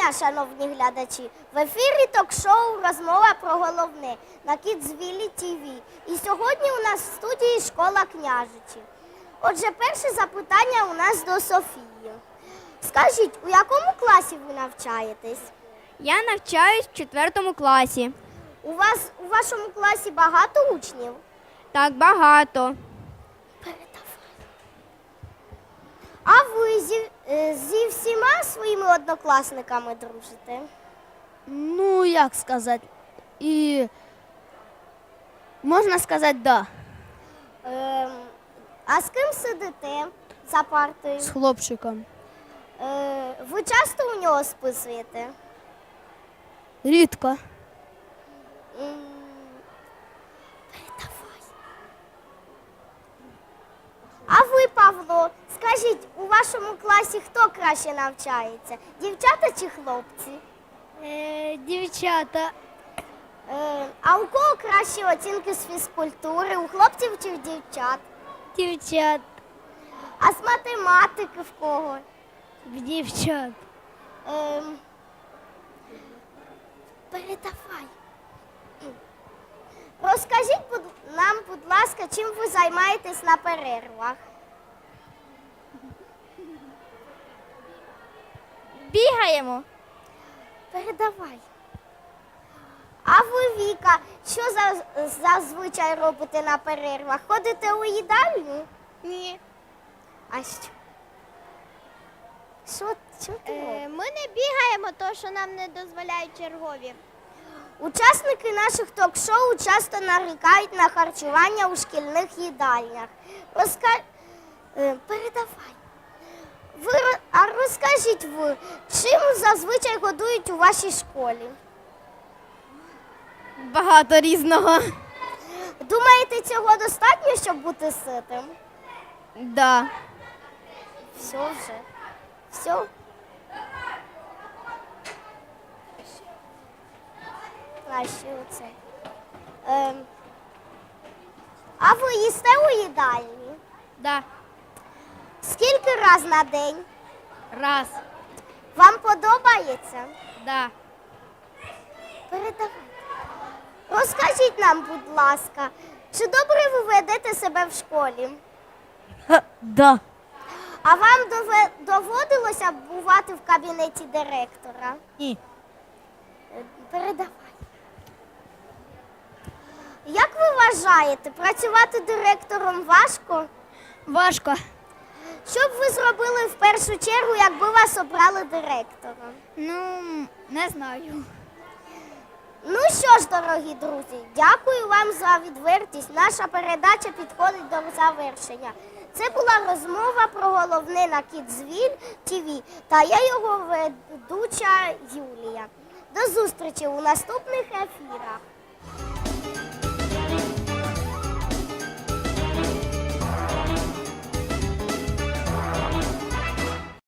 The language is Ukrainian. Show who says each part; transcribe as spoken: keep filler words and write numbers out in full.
Speaker 1: дня, шановні глядачі! В ефірі ток-шоу «Розмова про головне» на Кідзвілі ТВ. І сьогодні у нас в студії школа Княжичі. Отже, перше запитання у нас до Софії. Скажіть, у якому класі ви навчаєтесь?
Speaker 2: Я навчаюсь в четвертому класі.
Speaker 1: У вас у вашому класі багато учнів?
Speaker 2: Так, багато.
Speaker 1: А ви зі, е, зі всіма своїми однокласниками дружите?
Speaker 3: Ну, як сказати, і можна сказати, да,
Speaker 1: Ем, а з ким сидите за партою?
Speaker 3: з хлопчиком.
Speaker 1: Е, ви часто у нього списуєте?
Speaker 3: Рідко.
Speaker 1: М, Передавай. А ви, Павло, скажіть, у вашому класі хто краще навчається? Дівчата чи хлопці?
Speaker 3: Е, дівчата.
Speaker 1: Е, а у кого кращі оцінки з фізкультури? У хлопців чи в дівчат?
Speaker 3: Дівчат.
Speaker 1: А з математики в кого?
Speaker 3: Дівчат.
Speaker 1: Ем, передавай. Розкажіть будь- нам, будь ласка, чим ви займаєтесь на перервах?
Speaker 2: Бігаємо.
Speaker 1: Передавай. А ви, Віка, що за, зазвичай робите на перервах? Ходите у їдальню?
Speaker 2: Ні.
Speaker 1: А що? Що, що ти робиш?
Speaker 2: Ми не бігаємо, тому що нам не дозволяють чергові.
Speaker 1: Учасники наших ток-шоу часто нарікають на харчування у шкільних їдальнях. Розка... Е, передавай. Ви... ро- А розкажіть ви, чим зазвичай годують у вашій школі?
Speaker 2: Багато різного.
Speaker 1: Думаєте, цього достатньо, щоб бути ситим?
Speaker 2: Да.
Speaker 1: Все вже. Все. А ще оце. Ем. А ви їсте у їдальні?
Speaker 2: Да.
Speaker 1: Скільки раз на день?
Speaker 2: Раз.
Speaker 1: Вам подобається?
Speaker 2: Да.
Speaker 1: Передавайте. Розкажіть нам, будь ласка, чи добре ви ведете себе в школі?
Speaker 3: Да.
Speaker 1: А вам дове- доводилося бувати в кабінеті директора?
Speaker 3: Ні.
Speaker 1: Е, Передавай. Як ви вважаєте, працювати директором важко?
Speaker 3: Важко.
Speaker 1: Що б ви зробили в першу чергу, якби вас обрали директором?
Speaker 3: Ну, не знаю.
Speaker 1: Ну що ж, дорогі друзі, дякую вам за відвертість. Наша передача підходить до завершення. Це була розмова про головне на Кідзвіль ТВ та я його ведуча Юлія. До зустрічі у наступних ефірах.